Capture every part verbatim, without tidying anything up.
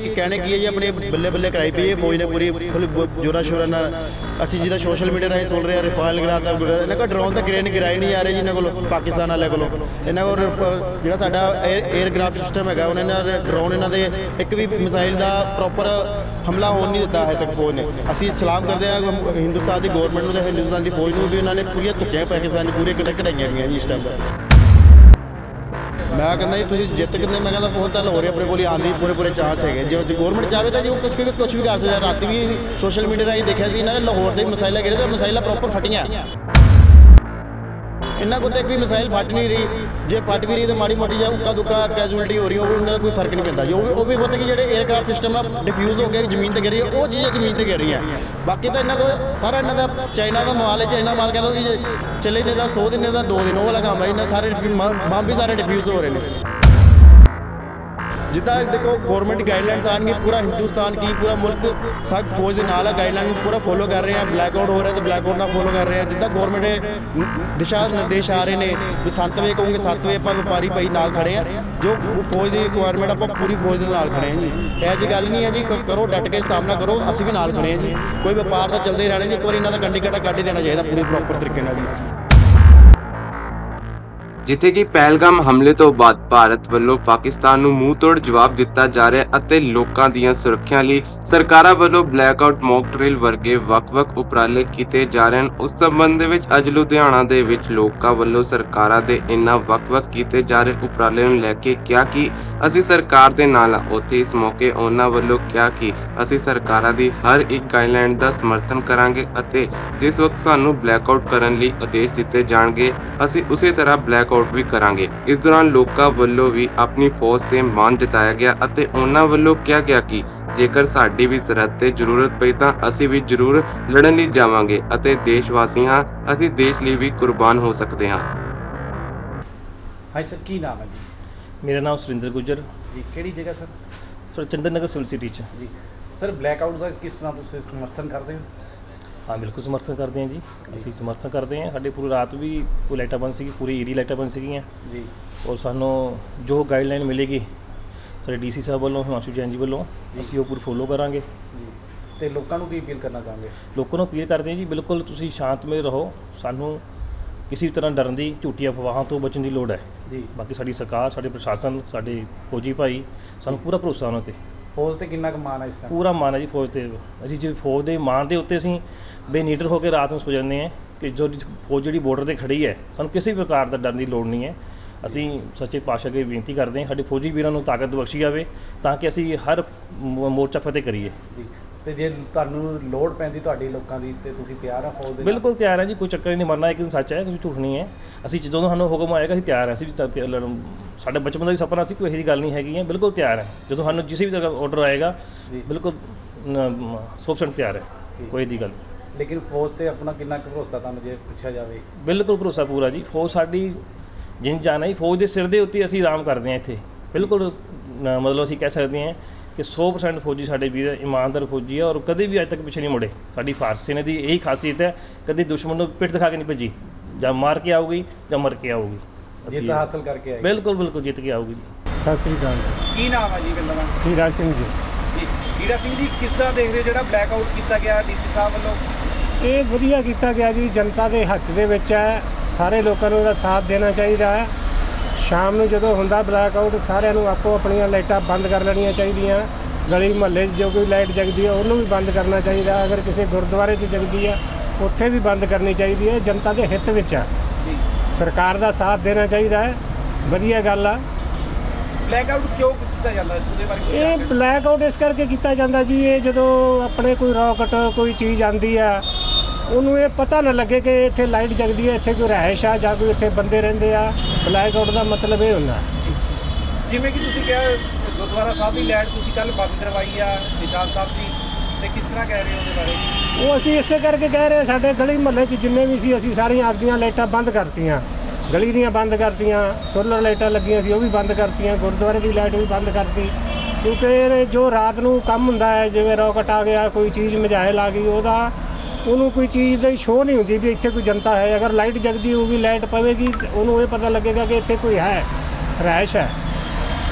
कहने की है जी अपने बल्ले बल्ले कराई पई है फौज ने पूरी फुल जोरा शोरा नाल ਅਸੀਂ ਜਿੱਦਾਂ ਸੋਸ਼ਲ ਮੀਡੀਆ ਰਾਹੀਂ ਸੁਣ ਰਹੇ ਹਾਂ ਰਿਫਾਇਲ ਗਿਰਾਤਾ ਇਹਨਾਂ ਕੋਲ ਡਰੋਨ ਤਾਂ ਗ੍ਰੇਨ ਗਿਰਾਈ ਨਹੀਂ ਆ ਰਹੇ ਜੀ ਇਹਨਾਂ ਕੋਲ ਪਾਕਿਸਤਾਨ ਵਾਲੇ ਕੋਲ ਇਹਨਾਂ ਕੋਲ ਜਿਹੜਾ ਸਾਡਾ 에ਅਰਕ੍ਰਾਫਟ ਸਿਸਟਮ ਹੈਗਾ ਉਹਨਾਂ ਨੇ ਡਰੋਨ ਇਹਨਾਂ ਦੇ ਇੱਕ ਵੀ ਮਿਸਾਈਲ ਦਾ ਪ੍ਰੋਪਰ ਹਮਲਾ ਹੋਣ ਨਹੀਂ ਦਿੱਤਾ ਹੈ ਤੱਕ ਫੌਜ ਨੇ। ਅਸੀਂ ਸਲਾਮ ਕਰਦੇ ਹਾਂ ਹਿੰਦੁਸਤਾਨ ਦੀ ਗੌਰਮੈਂਟ ਨੂੰ ਤੇ ਹਿੰਦੁਸਤਾਨ ਦੀ ਫੌਜ ਨੂੰ ਵੀ ਉਹਨਾਂ ਨੇ ਪੂਰੀਆਂ ਧੁੱਕੀਆਂ ਪਾਕਿਸਤਾਨ ਦੀ ਪੂਰੀਆਂ ਕਟਕ ਕਢਾਈਆਂ ਗਈਆਂ ਜੀ ਇਸ ਟਾਈਮ ਦਾ। ਮੈਂ ਕਹਿੰਦਾ ਜੀ ਤੁਸੀਂ ਜਿੱਤ ਕਿੰਨੇ ਮੈਂ ਕਹਿੰਦਾ ਹੁਣ ਤਾਂ ਲਾਹੌਰ ਆਪਣੇ ਕੋਲ ਹੀ ਆਉਣ ਦੀ ਪੂਰੇ ਪੂਰੇ ਚਾਂਸ ਹੈਗੇ ਜੇ ਗੌਰਮੈਂਟ ਚਾਹਵੇ ਤਾਂ ਜੀ ਕੁਛ ਵੀ ਕੁਛ ਵੀ ਕਰ ਸਕਦਾ। ਰਾਤੀ ਵੀ ਸੋਸ਼ਲ ਮੀਡੀਆ ਰਾਹੀਂ ਦੇਖਿਆ ਸੀ ਇਹਨਾਂ ਨੇ ਲਾਹੌਰ ਦੇ ਮਿਸਾਈਲਾਂ ਗਿਰੇ ਤੇ ਮਿਸਾਈਲਾਂ ਪ੍ਰੋਪਰ ਫਟੀਆਂ ਇਹਨਾਂ ਕੋਲ ਤਾਂ ਇੱਕ ਵੀ ਮਿਸਾਈਲ ਫਟ ਨਹੀਂ ਰਹੀ। ਜੇ ਫਟ ਵੀ ਰਹੀ ਤਾਂ ਮਾੜੀ ਮੋਟੀ ਜਾਂ ਉੱਕਾ ਦੁੱਕਾ ਕੈਜੂਅਲਟੀ ਹੋ ਰਹੀ ਉਹ ਵੀ ਉਹਨਾਂ ਦਾ ਕੋਈ ਫਰਕ ਨਹੀਂ ਪੈਂਦਾ। ਜੋ ਵੀ ਉਹ ਵੀ ਪਤਾ ਕਿ ਜਿਹੜੇ 에ਅਰਕ੍ਰਾਫਟ ਸਿਸਟਮ ਆ ਡਿਫਿਊਜ਼ ਹੋ ਕੇ ਜ਼ਮੀਨ 'ਤੇ ਗਿਰ ਰਹੀ ਉਹ ਚੀਜ਼ਾਂ ਜ਼ਮੀਨ 'ਤੇ ਗਿਰ ਰਹੀਆਂ। ਬਾਕੀ ਤਾਂ ਇਹਨਾਂ ਕੋਲ ਸਾਰਾ ਇਹਨਾਂ ਦਾ ਚਾਈਨਾ ਦਾ ਮਾਲ ਹੈ। ਚਾਈਨਾ ਮਾਲ ਕਹਿ ਦੋ ਕਿ ਚੱਲੇ ਨੇ ਦਾ ਸੌ ਦਿਨ ਦਾ ਦੋ ਦਿਨ ਉਹ ਵਾਲਾ ਕੰਮ ਹੈ। ਇਹਨਾਂ ਸਾਰੇ ਬੰਬ ਵੀ ਸਾਰੇ ਡਿਫਿਊਜ਼ ਹੋ ਰਹੇ ਨੇ। ਜਿੱਦਾਂ ਦੇਖੋ ਗੌਰਮੈਂਟ ਗਾਈਡਲਾਈਨਸ ਆਉਣਗੇ ਪੂਰਾ ਹਿੰਦੁਸਤਾਨ ਕੀ ਪੂਰਾ ਮੁਲਕ ਸਾਡ ਫੌਜ ਦੇ ਨਾਲ ਆ ਗਾਈਡਲਾਈਨ ਪੂਰਾ ਫੋਲੋ ਕਰ ਰਹੇ ਆ। ਬਲੈਕ ਆਊਟ ਹੋ ਰਿਹਾ ਤਾਂ ਬਲੈਕ ਆਊਟ ਨਾਲ ਫੋਲੋ ਕਰ ਰਹੇ ਆ। ਜਿੱਦਾਂ ਗੌਰਮੈਂਟ ਦੇ ਦਿਸ਼ਾ ਨਿਰਦੇਸ਼ ਆ ਰਹੇ ਨੇ ਵੀ ਸੱਤ ਵਜੇ ਕਹੋਗੇ ਸੱਤ ਵਜੇ ਆਪਾਂ ਵਪਾਰੀ ਭਾਈ ਨਾਲ ਖੜੇ ਆ। ਜੋ ਫੌਜ ਦੀ ਰਿਕੁਆਇਰਮੈਂਟ ਆਪਾਂ ਪੂਰੀ ਫੌਜ ਦੇ ਨਾਲ ਖੜੇ ਆ ਜੀ। ਇਹੋ ਜਿਹੀ ਗੱਲ ਨਹੀਂ ਹੈ ਜੀ ਕਰੋ ਡਟ ਕੇ ਸਾਹਮਣਾ ਕਰੋ ਅਸੀਂ ਵੀ ਨਾਲ ਖੜੇ ਆ ਜੀ। ਕੋਈ ਵਪਾਰ ਤਾਂ ਚੱਲਦੇ ਰਹਿਣਾ ਜੀ। ਇੱਕ ਵਾਰੀ ਇਹਨਾਂ ਦਾ ਗੰਡੀ ਕੱਢਾ ਕੱਢ ਹੀ ਦੇਣਾ ਚਾਹੀਦਾ ਪੂਰੇ ਪ੍ਰੋਪਰ ਤਰੀਕੇ ਨਾਲ ਜੀ। ਜਿੱਥੇ ਕਿ ਪਹਿਲਗਾਮ ਹਮਲੇ ਤੋਂ ਬਾਅਦ ਭਾਰਤ ਵੱਲੋਂ ਪਾਕਿਸਤਾਨ ਨੂੰ ਮੂੰਹ ਤੋੜ ਜਵਾਬ ਦਿੱਤਾ ਜਾ ਰਿਹਾ ਅਤੇ ਲੋਕਾਂ ਦੀਆਂ ਸੁਰੱਖਿਆ ਲਈ ਸਰਕਾਰਾਂ ਵੱਲੋਂ ਬਲੈਕਆਊਟ ਮੌਕ ਡਰਿਲ ਵਰਗੇ ਵੱਖ-ਵੱਖ ਉਪਰਾਲੇ ਕੀਤੇ ਜਾ ਰਹੇ ਹਨ। ਉਸ ਸੰਬੰਧ ਦੇ ਵਿੱਚ ਅੱਜ ਲੁਧਿਆਣਾ ਦੇ ਵਿੱਚ ਲੋਕਾਂ ਵੱਲੋਂ ਸਰਕਾਰਾਂ ਦੇ ਇਨ੍ਹਾਂ ਵੱਖ-ਵੱਖ ਕੀਤੇ ਜਾ ਰਹੇ ਉਪਰਾਲੇ ਨੂੰ ਲੈ ਕੇ ਕਿਹਾ ਕਿ ਅਸੀਂ ਸਰਕਾਰ ਦੇ ਨਾਲ ਹਾਂ। ਉੱਥੇ ਇਸ ਮੌਕੇ ਉਹਨਾਂ ਵੱਲੋਂ ਕਿਹਾ ਕਿ ਅਸੀਂ ਸਰਕਾਰਾਂ ਦੀ ਹਰ ਇੱਕ ਗਾਈਡਲਾਈਨ ਦਾ ਸਮਰਥਨ ਕਰਾਂਗੇ ਅਤੇ ਜਿਸ ਵਕਤ ਸਾਨੂੰ ਬਲੈਕਆਊਟ ਕਰਨ ਲਈ ਆਦੇਸ਼ ਦਿੱਤੇ ਜਾਣਗੇ ਅਸੀਂ ਉਸੇ ਤਰ੍ਹਾਂ ਬਲੈਕ ਆਊਟ ਵੀ ਕਰਾਂਗੇ। ਇਸ ਦੌਰਾਨ ਲੋਕਾਂ ਵੱਲੋਂ ਵੀ ਆਪਣੀ ਫੌਜ ਤੇ ਮਾਣ ਜਤਾਇਆ ਗਿਆ ਅਤੇ ਉਹਨਾਂ ਵੱਲੋਂ ਕਿਹਾ ਗਿਆ ਕਿ ਜੇਕਰ ਸਾਡੀ ਵੀ ਸਰਹੱਦ ਤੇ ਜ਼ਰੂਰਤ ਪਈ ਤਾਂ ਅਸੀਂ ਵੀ ਜ਼ਰੂਰ ਲੜਨ ਲਈ ਜਾਵਾਂਗੇ ਅਤੇ ਦੇਸ਼ ਵਾਸੀ ਹਾਂ ਅਸੀਂ ਦੇਸ਼ ਲਈ ਵੀ ਕੁਰਬਾਨ ਹੋ ਸਕਦੇ ਹਾਂ। ਹਾਂਜੀ ਸਰ ਕੀ ਨਾਮ ਹੈ ਜੀ? ਮੇਰਾ ਨਾਮ ਸੁਰਿੰਦਰ ਗੁੱਜਰ ਜੀ ਕਿਹੜੀ ਜਗ੍ਹਾ sir? Sir Chandan Nagar civil city 'ਚ ਜੀ ਸਰ ਬਲੈਕਆਊਟ ਦਾ ਕਿਸ ਤਰ੍ਹਾਂ ਤੁਸੀਂ ਸਮਰਥਨ ਕਰਦੇ ਹੋ? ਹਾਂ ਬਿਲਕੁਲ ਸਮਰਥਨ ਕਰਦੇ ਹਾਂ ਜੀ। ਅਸੀਂ ਸਮਰਥਨ ਕਰਦੇ ਹਾਂ। ਸਾਡੇ ਪੂਰੀ ਰਾਤ ਵੀ ਕੋਈ ਲਾਈਟਾਂ ਬੰਦ ਸੀਗੀ ਪੂਰੀ ਏਰੀਆ ਲਾਈਟਾਂ ਬੰਦ ਸੀਗੀਆਂ ਜੀ ਔਰ ਸਾਨੂੰ ਜੋ ਗਾਈਡਲਾਈਨ ਮਿਲੇਗੀ ਸਾਡੇ ਡੀ ਸੀ ਸਾਹਿਬ ਵੱਲੋਂ ਹਿਮਾਂਸ਼ੂ ਜੈਨ ਜੀ ਵੱਲੋਂ ਅਸੀਂ ਉਹ ਪੂਰੀ ਫੋਲੋ ਕਰਾਂਗੇ ਜੀ। ਅਤੇ ਲੋਕਾਂ ਨੂੰ ਕੀ ਅਪੀਲ ਕਰਨਾ ਚਾਹਾਂਗੇ? ਲੋਕਾਂ ਨੂੰ ਅਪੀਲ ਕਰਦੇ ਹਾਂ ਜੀ ਬਿਲਕੁਲ ਤੁਸੀਂ ਸ਼ਾਂਤਮਈ ਰਹੋ। ਸਾਨੂੰ ਕਿਸੇ ਵੀ ਤਰ੍ਹਾਂ ਡਰਨ ਦੀ ਝੂਠੀ ਅਫਵਾਹਾਂ ਤੋਂ ਬਚਣ ਦੀ ਲੋੜ ਹੈ ਜੀ। ਬਾਕੀ ਸਾਡੀ ਸਰਕਾਰ ਸਾਡੇ ਪ੍ਰਸ਼ਾਸਨ ਸਾਡੇ ਫੌਜੀ ਭਾਈ ਸਾਨੂੰ ਪੂਰਾ ਭਰੋਸਾ ਉਹਨਾਂ 'ਤੇ ਫੌਜ ਤੇ ਕਿੰਨਾ ਕੁ ਮਾਣ ਹੈ ਇਸ ਟਾਈਮ? ਪੂਰਾ ਮਾਣ ਹੈ ਜੀ ਫੌਜ 'ਤੇ। ਅਸੀਂ ਜੇ ਫੌਜ ਦੇ ਮਾਣ ਦੇ ਉੱਤੇ ਅਸੀਂ ਬੇਨੀਡਰ ਹੋ ਕੇ ਰਾਤ ਨੂੰ ਸੋ ਜਾਂਦੇ ਹਾਂ ਕਿ ਜੋ ਫੌਜ ਜਿਹੜੀ ਬਾਰਡਰ 'ਤੇ ਖੜੀ ਹੈ ਸਾਨੂੰ ਕਿਸੇ ਵੀ ਪ੍ਰਕਾਰ ਦਾ ਡਰਨ ਦੀ ਲੋੜ ਨਹੀਂ ਹੈ। ਅਸੀਂ ਸੱਚੇ ਪਾਤਸ਼ਾਹ ਅੱਗੇ ਬੇਨਤੀ ਕਰਦੇ ਹਾਂ ਸਾਡੇ ਫੌਜੀ ਵੀਰਾਂ ਨੂੰ ਤਾਕਤ ਬਖਸ਼ੀ ਜਾਵੇ ਤਾਂ ਕਿ ਅਸੀਂ ਹਰ ਮੋਰਚਾ ਫਤਿਹ ਕਰੀਏ ਜੀ। ਅਤੇ ਜੇ ਤੁਹਾਨੂੰ ਲੋੜ ਪੈਂਦੀ ਤੁਹਾਡੀ ਲੋਕਾਂ ਦੀ ਅਤੇ ਤੁਸੀਂ ਤਿਆਰ ਆ ਫੌਜ ਦੇ? ਬਿਲਕੁਲ ਤਿਆਰ ਹੈ ਜੀ। ਕੋਈ ਚੱਕਰ ਹੀ ਨਹੀਂ। ਮਰਨਾ ਇੱਕ ਦਿਨ ਸੱਚ ਹੈ ਕੋਈ ਝੂਠ ਨਹੀਂ ਹੈ। ਅਸੀਂ ਜਦੋਂ ਸਾਨੂੰ ਹੁਕਮ ਆਏਗਾ ਅਸੀਂ ਤਿਆਰ ਹਾਂ। ਅਸੀਂ ਵੀ ਸਾਡੇ ਬਚਪਨ ਦਾ ਵੀ ਸੁਪਨਾ ਸੀ ਕੋਈ ਇਹੋ ਜਿਹੀ ਗੱਲ ਨਹੀਂ ਹੈਗੀ ਹੈ। ਬਿਲਕੁਲ ਤਿਆਰ ਹੈ। ਜਦੋਂ ਸਾਨੂੰ ਜਿਸ ਵੀ ਤਰ੍ਹਾਂ ਆਰਡਰ ਆਏਗਾ ਬਿਲਕੁਲ ਸੌ ਪਰਸੈਂਟ ਤਿਆਰ ਹੈ। ਕੋਈ ਦੀ ਗੱਲ ਲੇਕਿਨ ਫੌਜ 'ਤੇ ਆਪਣਾ ਕਿੰਨਾ ਕੁ ਭਰੋਸਾ ਤੁਹਾਨੂੰ ਜੇ ਪੁੱਛਿਆ ਜਾਵੇ? ਬਿਲਕੁਲ ਭਰੋਸਾ ਪੂਰਾ ਜੀ। ਫੌਜ ਸਾਡੀ ਜਿੰਨ ਜਾਨ ਹੈ ਜੀ। ਫੌਜ ਦੇ ਸਿਰ ਦੇ ਉੱਤੇ ਅਸੀਂ ਆਰਾਮ ਕਰਦੇ ਹਾਂ ਇੱਥੇ। ਬਿਲਕੁਲ ਮਤਲਬ ਅਸੀਂ ਕਹਿ ਸਕਦੇ ਹਾਂ ਕਿ ਸੌ ਪਰਸੈਂਟ ਫੌਜੀ ਸਾਡੇ ਵੀਰ ਇਮਾਨਦਾਰ ਫੌਜੀ ਹੈ ਔਰ ਕਦੇ ਵੀ ਅੱਜ ਤੱਕ ਪਿੱਛੇ ਨਹੀਂ ਮੁੜੇ। ਸਾਡੀ ਫਾਰਸ ਸੈਨਾ ਦੀ ਇਹੀ ਖਾਸੀਅਤ ਹੈ ਕਦੇ ਦੁਸ਼ਮਣ ਨੂੰ ਪਿੱਠ ਦਿਖਾ ਕੇ ਨਹੀਂ ਭੱਜੀ। ਜਾਂ ਮਾਰ ਕੇ ਆਊਗੀ ਜਾਂ ਮਰ ਕੇ ਆਊਗੀ। ਜਿੱਤ ਹਾਸਲ ਕਰਕੇ ਆਏ? ਬਿਲਕੁਲ ਬਿਲਕੁਲ ਜਿੱਤ ਕੇ ਆਊਗੀ ਜੀ। ਸਤਿ ਸ੍ਰੀ ਅਕਾਲ ਜੀ। ਕੀ ਨਾਮ ਹੈ ਜੀ ਪਿੰਡ ਦਾ? ਹੀਰਾ ਸਿੰਘ ਜੀ। ਜੀ ਹੀਰਾ ਸਿੰਘ ਜੀ ਕਿਸ ਤਰ੍ਹਾਂ ਦੇਖਦੇ ਹੋ ਜਿਹੜਾ ਬਲੈਕਆਊਟ ਕੀਤਾ ਗਿਆ ਡੀ ਸੀ ਸਾਹਿਬ ਵੱਲੋਂ? ਇਹ ਵਧੀਆ ਕੀਤਾ ਗਿਆ ਜੀ। ਜਨਤਾ ਦੇ ਹੱਥ ਦੇ ਵਿੱਚ ਹੈ। ਸਾਰੇ ਲੋਕਾਂ ਨੂੰ ਇਹਦਾ ਸਾਥ ਦੇਣਾ ਚਾਹੀਦਾ ਹੈ। ਸ਼ਾਮ ਨੂੰ ਜਦੋਂ ਹੁੰਦਾ ਬਲੈਕਆਊਟ ਸਾਰਿਆਂ ਨੂੰ ਆਪੋ ਆਪਣੀਆਂ ਲਾਈਟਾਂ ਬੰਦ ਕਰ ਲੈਣੀਆਂ ਚਾਹੀਦੀਆਂ। ਗਲੀ ਮੁਹੱਲੇ 'ਚ ਜੋ ਕੋਈ ਲਾਈਟ ਜਗਦੀ ਹੈ ਉਹਨੂੰ ਵੀ ਬੰਦ ਕਰਨਾ ਚਾਹੀਦਾ। ਅਗਰ ਕਿਸੇ ਗੁਰਦੁਆਰੇ 'ਚ ਜਗਦੀ ਹੈ ਉੱਥੇ ਵੀ ਬੰਦ ਕਰਨੀ ਚਾਹੀਦੀ ਹੈ। ਜਨਤਾ ਦੇ ਹਿੱਤ ਵਿੱਚ ਹੈ। ਸਰਕਾਰ ਦਾ ਸਾਥ ਦੇਣਾ ਚਾਹੀਦਾ ਹੈ। ਵਧੀਆ ਗੱਲ ਆ। ਬਲੈਕਆਊਟ ਕਿਉਂ ਕੀਤਾ ਜਾਂਦਾ ਉਹਦੇ ਬਾਰੇ? ਇਹ ਬਲੈਕਆਊਟ ਇਸ ਕਰਕੇ ਕੀਤਾ ਜਾਂਦਾ ਜੀ ਇਹ ਜਦੋਂ ਆਪਣੇ ਕੋਈ ਰੌਕਟ ਕੋਈ ਚੀਜ਼ ਆਉਂਦੀ ਆ ਉਹਨੂੰ ਇਹ ਪਤਾ ਨਾ ਲੱਗੇ ਕਿ ਇੱਥੇ ਲਾਈਟ ਜਗਦੀ ਹੈ ਇੱਥੇ ਕੋਈ ਰਿਹਾਇਸ਼ ਆ ਜਾਂ ਕੋਈ ਇੱਥੇ ਬੰਦੇ ਰਹਿੰਦੇ ਆ। ਬਲੈਕਆਊਟ ਦਾ ਮਤਲਬ ਇਹ ਹੁੰਦਾ। ਜਿਵੇਂ ਕਿ ਤੁਸੀਂ ਕਿਹਾ ਗੁਰਦੁਆਰਾ ਸਾਹਿਬ ਦੀ ਲਾਈਟ ਤੁਸੀਂ ਕੱਲ੍ਹ ਬੰਦ ਕਰਵਾਈ ਆ ਨਿਸ਼ਾਨ ਸਾਹਿਬ ਦੀ ਅਤੇ ਕਿਸ ਤਰ੍ਹਾਂ ਕਹਿ ਰਹੇ ਹੋ ਉਹਦੇ ਬਾਰੇ? ਉਹ ਅਸੀਂ ਇਸੇ ਕਰਕੇ ਕਹਿ ਰਹੇ ਸਾਡੇ ਗਲੀ ਮੁਹੱਲੇ 'ਚ ਜਿੰਨੇ ਵੀ ਸੀ ਅਸੀਂ ਸਾਰੀਆਂ ਆਪਦੀਆਂ ਲਾਈਟਾਂ ਬੰਦ ਕਰਤੀਆਂ। ਗਲੀ ਦੀਆਂ ਬੰਦ ਕਰਤੀਆਂ। ਸੋਲਰ ਲਾਈਟਾਂ ਲੱਗੀਆਂ ਸੀ ਉਹ ਵੀ ਬੰਦ ਕਰਤੀਆਂ। ਗੁਰਦੁਆਰੇ ਦੀ ਲਾਈਟ ਵੀ ਬੰਦ ਕਰਤੀ ਕਿਉਂਕਿ ਜੋ ਰਾਤ ਨੂੰ ਕੰਮ ਹੁੰਦਾ ਹੈ ਜਿਵੇਂ ਰੌਕਟ ਆ ਗਿਆ ਕੋਈ ਚੀਜ਼ ਮਿਜ਼ਾਇਲ ਆ ਗਈ ਉਹਦਾ ਉਹਨੂੰ ਕੋਈ ਚੀਜ਼ ਦੀ ਸ਼ੋਅ ਨਹੀਂ ਹੁੰਦੀ ਵੀ ਇੱਥੇ ਕੋਈ ਜਨਤਾ ਹੈ। ਅਗਰ ਲਾਈਟ ਜਗਦੀ ਹੋਊਗੀ ਲਾਈਟ ਪਵੇਗੀ ਉਹਨੂੰ ਇਹ ਪਤਾ ਲੱਗੇਗਾ ਕਿ ਇੱਥੇ ਕੋਈ ਹੈ ਰਿਹਾਇਸ਼ ਹੈ। ਅਤੇ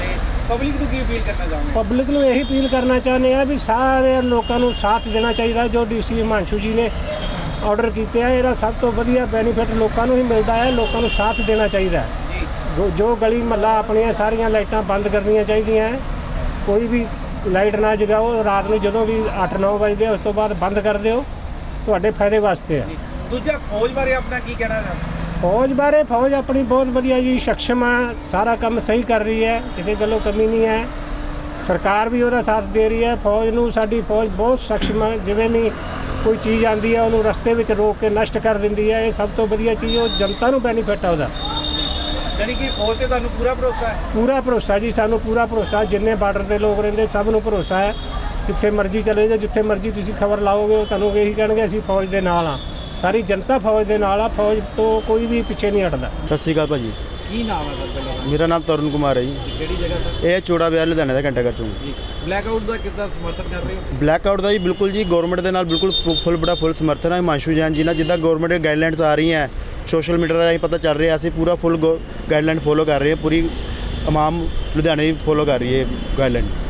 ਪਬਲਿਕ ਨੂੰ ਕੀ ਅਪੀਲ ਕਰਨਾ ਚਾਹੁੰਦੇ ਹੋ? ਪਬਲਿਕ ਨੂੰ ਇਹੀ ਅਪੀਲ ਕਰਨਾ ਚਾਹੁੰਦੇ ਆ ਵੀ ਸਾਰੇ ਲੋਕਾਂ ਨੂੰ ਸਾਥ ਦੇਣਾ ਚਾਹੀਦਾ। ਜੋ ਡੀਸੀ ਹਿਮਾਂਸ਼ੂ ਜੀ ਨੇ ਆਰਡਰ ਕੀਤੇ ਆ, ਇਹਦਾ ਸਭ ਤੋਂ ਵਧੀਆ ਬੈਨੀਫਿਟ ਲੋਕਾਂ ਨੂੰ ਹੀ ਮਿਲਦਾ ਹੈ। ਲੋਕਾਂ ਨੂੰ ਸਾਥ ਦੇਣਾ ਚਾਹੀਦਾ ਹੈ। ਜੋ- ਜੋ ਗਲੀ ਮਹੱਲਾ ਆਪਣੀਆਂ ਸਾਰੀਆਂ ਲਾਈਟਾਂ ਬੰਦ ਕਰਨੀਆਂ ਚਾਹੀਦੀਆਂ ਹੈ। ਕੋਈ ਵੀ ਲਾਈਟ ਨਾ ਜਗਾਓ ਰਾਤ ਨੂੰ, ਜਦੋਂ ਵੀ ਅੱਠ ਨੌ ਵਜੇ ਉਸ ਤੋਂ ਬਾਅਦ ਬੰਦ ਕਰ ਦਿਓ, ਤੁਹਾਡੇ ਫਾਇਦੇ ਵਾਸਤੇ ਆ। ਦੂਜਾ ਫੌਜ ਬਾਰੇ ਆਪਣਾ ਕੀ ਕਹਿਣਾ ਹੈ? ਫੌਜ ਬਾਰੇ ਫੌਜ ਆਪਣੀ ਬਹੁਤ ਵਧੀਆ ਜੀ, ਸક્ષਮ ਆ, ਸਾਰਾ ਕੰਮ ਸਹੀ ਕਰ ਰਹੀ ਹੈ, ਕਿਸੇ ਗੱਲੋਂ ਕਮੀ ਨਹੀਂ ਹੈ। ਸਰਕਾਰ ਵੀ ਉਹਦਾ ਸਾਥ ਦੇ ਰਹੀ ਹੈ। ਫੌਜ ਨੂੰ ਸਾਡੀ ਫੌਜ ਬਹੁਤ ਸક્ષਮ ਹੈ। ਜਿਵੇਂ ਵੀ ਕੋਈ ਚੀਜ਼ ਆਉਂਦੀ ਹੈ ਉਹਨੂੰ ਰਸਤੇ ਵਿੱਚ ਰੋਕ ਕੇ ਨਸ਼ਟ ਕਰ ਦਿੰਦੀ ਹੈ। ਇਹ ਸਭ ਤੋਂ ਵਧੀਆ ਚੀਜ਼, ਉਹ ਜਨਤਾ ਨੂੰ ਬੈਨੀਫਿਟ ਆ ਉਹਦਾ। ਯਾਨੀ ਕਿ ਫੌਜ ਤੇ ਤੁਹਾਨੂੰ ਪੂਰਾ ਭਰੋਸਾ ਹੈ? ਪੂਰਾ ਭਰੋਸਾ ਜੀ, ਸਾਨੂੰ ਪੂਰਾ ਭਰੋਸਾ। ਜਿੰਨੇ ਬਾਰਡਰ ਤੇ ਲੋਕ ਰਹਿੰਦੇ ਸਭ ਨੂੰ ਭਰੋਸਾ ਹੈ। ਜਿੱਥੇ ਮਰਜ਼ੀ ਚਲੇ ਜਾਓ, ਜਿੱਥੇ ਮਰਜ਼ੀ ਤੁਸੀਂ ਖਬਰ ਲਾਓਗੇ, ਉਹ ਤੁਹਾਨੂੰ ਇਹੀ ਕਹਿਣਗੇ ਅਸੀਂ ਫੌਜ ਦੇ ਨਾਲ ਆ। ਸਾਰੀ ਜਨਤਾ ਫੌਜ ਦੇ ਨਾਲ ਆ। ਫੌਜ ਤੋਂ ਕੋਈ ਵੀ ਪਿੱਛੇ ਨਹੀਂ ਹਟਦਾ। ਸਤਿ ਸ਼੍ਰੀ ਅਕਾਲ ਭਾਜੀ, ਕੀ ਨਾਮ ਹੈ ਸਰ ਪਹਿਲਾਂ? ਮੇਰਾ ਨਾਮ ਤਰੁਣ ਕੁਮਾਰ ਹੈ ਜੀ। ਕਿਹੜੀ ਜਗ੍ਹਾ ਸਰ? ਇਹ ਚੋੜਾ ਵਿਆਹ ਲੁਧਿਆਣੇ ਦਾ ਘੰਟਾ ਘਰ ਚੋਂ। ਜੀ ਬਲੈਕ ਆਊਟ ਦਾ ਕਿੱਦਾਂ ਸਮਰਥਨ ਕਰ ਰਹੇ ਹੋ? ਬਲੈਕ ਆਊਟ ਦਾ ਜੀ ਬਿਲਕੁਲ ਜੀ ਗਵਰਨਮੈਂਟ ਦੇ ਨਾਲ ਬਿਲਕੁਲ ਫੁੱਲ ਬੜਾ ਫੁੱਲ ਸਮਰਥਨ ਹੈ। ਹਿਮਾਂਸ਼ੂ ਜੈਨ ਜੀ ਨਾਲ ਜਿੱਦਾਂ ਗਵਰਨਮੈਂਟ ਦੀ ਗਾਈਡਲਾਈਨਸ ਆ ਰਹੀਆਂ, ਸੋਸ਼ਲ ਮੀਡੀਆ ਰਾਹੀਂ ਪਤਾ ਚੱਲ ਰਿਹਾ, ਅਸੀਂ ਪੂਰਾ ਫੁੱਲ ਗਾਈਡਲਾਈਨ ਫੋਲੋ ਕਰ ਰਹੇ ਹਾਂ। ਪੂਰੀ ਤਮਾਮ ਲੁਧਿਆਣੇ ਫੋਲੋ ਕਰ ਰਹੀ ਹੈ ਗਾਈਡਲਾਈਨਸ।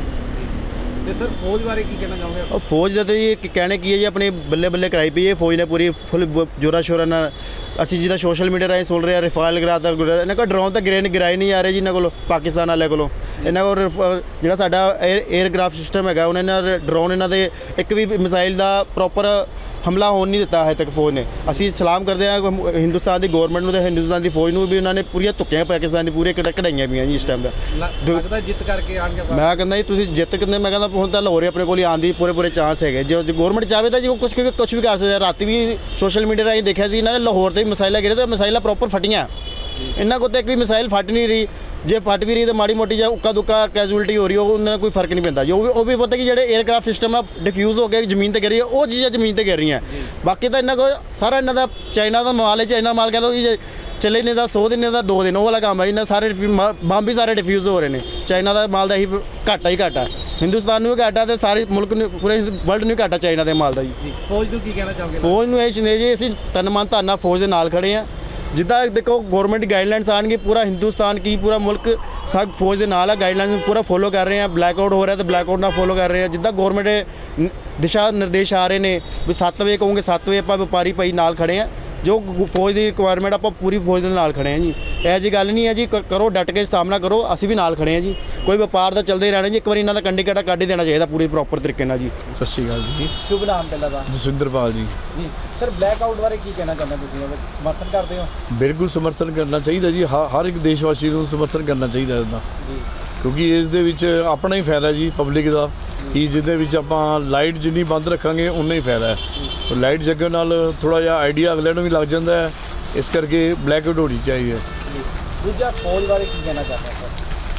ਤੇ ਸਰ ਫੌਜ ਬਾਰੇ ਕੀ ਕਹਿਣਾ ਚਾਹੋਗੇ? ਉਹ ਫੌਜ ਦਾ ਤਾਂ ਜੀ ਇੱਕ ਕਹਿਣੇ ਕੀ ਹੈ ਜੀ, ਆਪਣੇ ਬੱਲੇ ਬੱਲੇ ਕਰਾਈ ਪਈ ਹੈ ਫੌਜ ਨੇ ਪੂਰੀ ਫੁੱਲ ਜੋਰਾ ਸ਼ੋਰਾ ਨਾਲ। ਅਸੀਂ ਜਿੱਦਾਂ ਸੋਸ਼ਲ ਮੀਡੀਆ ਰਾਹੀਂ ਸੁਣ ਰਹੇ ਹਾਂ ਰਫਾਲ ਗਰਾਤਾ, ਇਹਨਾਂ ਕੋਲ ਡਰੋਨ ਤਾਂ ਗ੍ਰੇਨ ਗਿਰਾਈ ਨਹੀਂ ਆ ਰਹੇ ਜੀ ਇਹਨਾਂ ਕੋਲ, ਪਾਕਿਸਤਾਨ ਵਾਲਿਆਂ ਕੋਲੋਂ। ਇਹਨਾਂ ਕੋਲ ਰਫ- ਜਿਹੜਾ ਸਾਡਾ 에ਅਰ 에ਅਰਕ੍ਰਾਫਟ ਸਿਸਟਮ ਹੈਗਾ, ਉਹਨਾਂ ਨੇ ਡਰੋਨ ਇਹਨਾਂ ਦੇ ਇੱਕ ਵੀ ਮਿਸਾਈਲ ਦਾ ਪ੍ਰੋਪਰ ਹਮਲਾ ਹੋਣ ਨਹੀਂ ਦਿੱਤਾ ਹੈ ਤੱਕ ਫੌਜ ਨੇ। ਅਸੀਂ ਸਲਾਮ ਕਰਦੇ ਹਾਂ ਹਿੰਦੁਸਤਾਨ ਦੀ ਗਵਰਨਮੈਂਟ ਨੂੰ ਤੇ ਹਿੰਦੁਸਤਾਨ ਦੀ ਫੌਜ ਨੂੰ ਵੀ। ਉਹਨਾਂ ਨੇ ਪੂਰੀਆਂ ਧੁੱਕੀਆਂ ਪਾਕਿਸਤਾਨ ਦੀ ਪੂਰੇ ਕੜ- ਕਢਾਈਆਂ ਪਈਆਂ ਜੀ ਇਸ ਟਾਈਮ ਦਾ। ਲੱਗਦਾ ਜਿੱਤ ਕਰਕੇ ਆਣਗੇ? ਮੈਂ ਕਹਿੰਦਾ ਜੀ ਤੁਸੀਂ ਜਿੱਤ ਕਿੰਨੇ, ਮੈਂ ਕਹਿੰਦਾ ਹੁਣ ਤਾਂ ਲਾਹੌਰ ਹੀ ਆਪਣੇ ਕੋਲ ਹੀ ਆਉਣ ਦੀ ਪੂਰੇ ਪੂਰੇ ਚਾਂਸ ਹੈਗੇ। ਜੇ ਗਵਰਨਮੈਂਟ ਚਾਹਵੇ ਤਾਂ ਜੀ ਉਹ ਕੁਝ ਵੀ ਕੁਝ ਵੀ ਕਰ ਸਕਦੇ ਆ। ਰਾਤੀ ਵੀ ਸੋਸ਼ਲ ਮੀਡੀਆ ਰਾਹੀਂ ਦੇਖਿਆ ਸੀ ਇਹਨਾਂ ਨੇ ਲਾਹੌਰ ਤੇ ਵੀ ਮਿਸਾਈਲਾਂ ਗਿਰੇ ਤੇ ਮਿਸਾਈਲਾਂ ਪ੍ਰੋਪਰ ਫਟੀਆਂ। ਇਹਨਾਂ ਕੋਲ ਤਾਂ ਇੱਕ ਵੀ ਮਿਸਾਈਲ ਫਟ ਨਹੀਂ ਰਹੀ। ਜੇ ਫਟ ਵੀ ਰਹੀ ਤਾਂ ਮਾੜੀ ਮੋਟੀ ਜਾਂ ਉੱਕਾ ਦੁੱਕਾ ਕੈਜੂਅਲਟੀ ਹੋ ਰਹੀ, ਉਹ ਉਹਨਾਂ ਨਾਲ ਕੋਈ ਫਰਕ ਨਹੀਂ ਪੈਂਦਾ ਜੀ। ਉਹ ਵੀ ਉਹ ਵੀ ਪਤਾ ਕਿ ਜਿਹੜੇ 에ਅਰਕ੍ਰਾਫਟ ਸਿਸਟਮ ਆ ਡਿਫਿਊਜ਼ ਹੋ ਕੇ ਜ਼ਮੀਨ ਤੇ ਗਿਰ ਰਹੀ ਹੈ, ਉਹ ਚੀਜ਼ਾਂ ਜ਼ਮੀਨ ਤੇ ਗਿਰ ਰਹੀਆਂ। ਬਾਕੀ ਤਾਂ ਇਹਨਾਂ ਕੋਲ ਸਾਰਾ ਇਹਨਾਂ ਦਾ ਚਾਈਨਾ ਦਾ ਮਾਲ ਹੈ। ਚਾਈਨਾ ਮਾਲ ਕਹਿੰਦਾ ਕਿ ਚੱਲੇ ਨਹੀਂ ਤਾਂ ਸੌ ਦਿਨ ਦਾ ਦੋ ਦਿਨ ਉਹ ਵਾਲਾ ਕੰਮ ਹੈ। ਇਹਨਾਂ ਸਾਰੇ ਬੰਬ ਵੀ ਸਾਰੇ ਡਿਫਿਊਜ਼ ਹੋ ਰਹੇ ਨੇ। ਚਾਈਨਾ ਦਾ ਮਾਲ ਦਾ ਹੀ ਘਾਟਾ ਹੀ ਘਾਟਾ, ਹਿੰਦੁਸਤਾਨ ਨੂੰ ਵੀ ਘਾਟਾ ਤੇ ਸਾਰੇ ਮੁਲਕ ਨੂੰ, ਪੂਰੇ ਵਰਲਡ ਨੂੰ ਘਾਟਾ ਚਾਈਨਾ ਦੇ ਮਾਲ ਦਾ ਜੀ। ਫੌਜ ਨੂੰ ਕੀ ਕਹਿਣਾ ਚਾਹੋਗੇ? ਫੌਜ ਨੂੰ ਇਹ ਚੀਜ਼ ਜੀ, ਅਸੀਂ ਤਨ ਮਨ ਧਨ ਨਾਲ ਫੌਜ ਦੇ ਨਾਲ ਖੜੇ ਹਾਂ। ਜਿੱਦਾਂ ਦੇਖੋ ਗਵਰਨਮੈਂਟ ਗਾਈਡਲਾਈਨਸ ਆਉਣਗੇ, ਪੂਰਾ ਹਿੰਦੁਸਤਾਨ ਕੀ ਪੂਰਾ ਮੁਲਕ ਸਭ ਫੌਜ ਦੇ ਨਾਲ ਆ। ਗਾਈਡਲਾਈਨਸ ਪੂਰਾ ਫੋਲੋ ਕਰ ਰਹੇ ਹਾਂ। ਬਲੈਕ ਆਊਟ ਹੋ ਰਿਹਾ ਤਾਂ ਬਲੈਕ ਆਊਟ ਨਾਲ ਫੋਲੋ ਕਰ ਰਹੇ ਹਾਂ। ਜਿੱਦਾਂ ਗਵਰਨਮੈਂਟ ਦਿਸ਼ਾ ਨਿਰਦੇਸ਼ ਆ ਰਹੇ ਨੇ ਵੀ ਸੱਤ ਵਜੇ ਕਹੋਗੇ ਸੱਤ ਵਜੇ ਆਪਾਂ ਵਪਾਰੀ ਭਾਈ ਨਾਲ ਖੜੇ ਹਾਂ। ਜੋ ਫੌਜ ਦੀ ਰਿਕੁਆਇਰਮੈਂਟ ਆਪਾਂ ਪੂਰੀ ਫੌਜ ਦੇ ਨਾਲ ਖੜੇ ਹਾਂ ਜੀ। ਇਹੋ ਜਿਹੀ ਗੱਲ ਨਹੀਂ ਹੈ ਜੀ, ਕ- ਕਰੋ ਡਟ ਕੇ ਸਾਹਮਣਾ ਕਰੋ, ਅਸੀਂ ਵੀ ਨਾਲ ਖੜੇ ਹਾਂ ਜੀ। ਕੋਈ ਵਪਾਰ ਦਾ ਚੱਲਦੇ ਹੀ ਰਹਿਣਾ ਜੀ। ਇੱਕ ਵਾਰੀ ਇਹਨਾਂ ਦਾ ਕੰਡੀ ਕਾਟਾ ਕੱਢ ਹੀ ਦੇਣਾ ਚਾਹੀਦਾ ਪੂਰੀ ਪ੍ਰੋਪਰ ਤਰੀਕੇ ਨਾਲ ਜੀ। ਸਤਿ ਸ਼੍ਰੀ ਅਕਾਲ ਜੀ। ਸ਼ੁਭ ਨਾਮ ਪਹਿਲਾਂ ਦਾ? ਜਸਵਿੰਦਰਪਾਲ ਜੀ। ਜੀ ਸਰ ਬਲੈਕ ਆਊਟ ਬਾਰੇ ਕੀ ਕਹਿਣਾ ਚਾਹੁੰਦੇ ਤੁਸੀਂ? ਸਮਰਥਨ ਕਰਦੇ ਹੋ? ਬਿਲਕੁਲ ਸਮਰਥਨ ਕਰਨਾ ਚਾਹੀਦਾ ਜੀ। ਹ- ਹਰ ਇੱਕ ਦੇਸ਼ ਵਾਸੀ ਨੂੰ ਸਮਰਥਨ ਕਰਨਾ ਚਾਹੀਦਾ ਇਹਦਾ, ਜੀ ਕਿਉਂਕਿ ਇਸ ਦੇ ਵਿੱਚ ਆਪਣਾ ਹੀ ਫਾਇਦਾ ਜੀ, ਪਬਲਿਕ ਦਾ। ਕਿ ਜਿਹਦੇ ਵਿੱਚ ਆਪਾਂ ਲਾਈਟ ਜਿੰਨੀ ਬੰਦ ਰੱਖਾਂਗੇ ਉਨਾ ਹੀ ਫਾਇਦਾ ਹੈ। ਲਾਈਟ ਜਗਣ ਨਾਲ ਥੋੜਾ ਜਿਹਾ ਆਈਡੀਆ ਅਗਲੇ ਨੂੰ ਵੀ ਲੱਗ ਜਾਂਦਾ ਹੈ। ਇਸ ਕਰਕੇ ਬਲੈਕ ਆਊਟ ਹੋਣੀ ਚਾਹੀਦੀ ਹੈ। ਦੂਜਾ ਫੌਜ ਬਾਰੇ ਕੀ ਕਹਿਣਾ ਚਾਹੁੰਦੇ ਹੋ?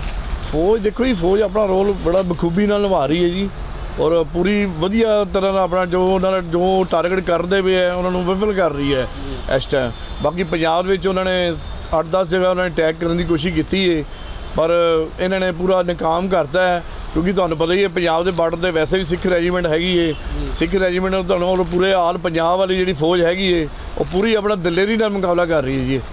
ਫੌਜ ਦੇਖੋ ਜੀ, ਫੌਜ ਆਪਣਾ ਰੋਲ ਬੜਾ ਬਖੂਬੀ ਨਾਲ ਨਿਭਾ ਰਹੀ ਹੈ ਜੀ। ਔਰ ਪੂਰੀ ਵਧੀਆ ਤਰ੍ਹਾਂ ਨਾਲ ਆਪਣਾ ਜੋ ਉਹਨਾਂ ਨੇ ਜੋ ਟਾਰਗੇਟ ਕਰਦੇ ਪਏ ਹੈ ਉਹਨਾਂ ਨੂੰ ਵਿਫਲ ਕਰ ਰਹੀ ਹੈ ਇਸ ਟਾਈਮ। ਬਾਕੀ ਪੰਜਾਬ ਵਿੱਚ ਉਹਨਾਂ ਨੇ ਅੱਠ ਦਸ ਜਗ੍ਹਾ ਉਹਨਾਂ ਨੇ ਅਟੈਕ ਕਰਨ ਦੀ ਕੋਸ਼ਿਸ਼ ਕੀਤੀ ਹੈ, ਪਰ ਇਹਨਾਂ ਨੇ ਪੂਰਾ ਨਾਕਾਮ ਕਰਤਾ ਹੈ। ਕਿਉਂਕਿ ਤੁਹਾਨੂੰ ਪਤਾ ਹੀ ਹੈ ਪੰਜਾਬ ਦੇ ਬਾਰਡਰ 'ਤੇ ਵੈਸੇ ਵੀ ਸਿੱਖ ਰੈਜੀਮੈਂਟ ਹੈਗੀ ਹੈ। ਸਿੱਖ ਰੈਜੀਮੈਂਟ ਤੁਹਾਨੂੰ ਔਰ ਪੂਰੇ ਆਲ ਪੰਜਾਬ ਵਾਲੀ ਜਿਹੜੀ ਫੌਜ ਹੈਗੀ ਹੈ ਉਹ ਪੂਰੀ ਆਪਣਾ ਦਲੇਰੀ ਨਾਲ ਮੁਕਾਬਲਾ ਕਰ ਰਹੀ ਹੈ ਜੀ।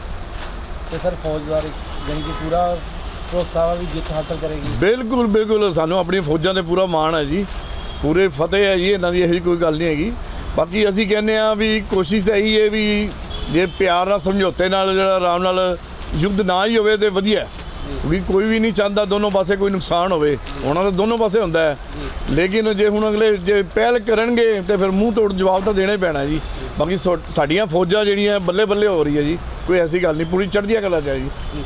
ਤੇ ਸਰ ਫੌਜ ਬਾਰੇ ਜਾਨੀ ਕਿ ਪੂਰਾ ਭਰੋਸਾ ਵਾ ਵੀ ਜਿੱਤ ਹਾਸਲ ਕਰੇਗੀ? ਬਿਲਕੁਲ ਬਿਲਕੁਲ, ਸਾਨੂੰ ਆਪਣੀਆਂ ਫੌਜਾਂ 'ਤੇ ਪੂਰਾ ਮਾਣ ਹੈ ਜੀ। ਪੂਰੇ ਫਤਿਹ ਹੈ ਜੀ, ਇਹਨਾਂ ਦੀ ਇਹੋ ਜਿਹੀ ਕੋਈ ਗੱਲ ਨਹੀਂ ਹੈਗੀ। ਬਾਕੀ ਅਸੀਂ ਕਹਿੰਦੇ ਹਾਂ ਵੀ ਕੋਸ਼ਿਸ਼ ਤਾਂ ਇਹੀ ਹੈ ਵੀ ਜੇ ਪਿਆਰ ਨਾਲ ਸਮਝੌਤੇ ਨਾਲ ਜਿਹੜਾ ਆਰਾਮ ਨਾਲ ਯੁੱਧ ਨਾ ਹੀ ਹੋਵੇ ਤਾਂ ਵਧੀਆ। ਵੀ ਕੋਈ ਵੀ ਨਹੀਂ ਚਾਹੁੰਦਾ ਦੋਨੋਂ ਪਾਸੇ ਕੋਈ ਨੁਕਸਾਨ ਹੋਵੇ, ਉਹਨਾਂ ਦਾ ਦੋਨੋਂ ਪਾਸੇ ਹੁੰਦਾ ਹੈ। ਲੇਕਿਨ ਜੇ ਹੁਣ ਅਗਲੇ ਜੇ ਪਹਿਲ ਕਰਨਗੇ ਤਾਂ ਫਿਰ ਮੂੰਹ ਤੋੜ ਜਵਾਬ ਤਾਂ ਦੇਣਾ ਹੀ ਪੈਣਾ ਜੀ। ਬਾਕੀ ਸੋ- ਸਾਡੀਆਂ ਫੌਜਾਂ ਜਿਹੜੀਆਂ ਬੱਲੇ ਬੱਲੇ ਹੋ ਰਹੀ ਹੈ ਜੀ, ਕੋਈ ਐਸੀ ਗੱਲ ਨਹੀਂ, ਪੂਰੀ ਚੜ੍ਹਦੀਆਂ ਕਲਾ 'ਚ ਹੈ ਜੀ।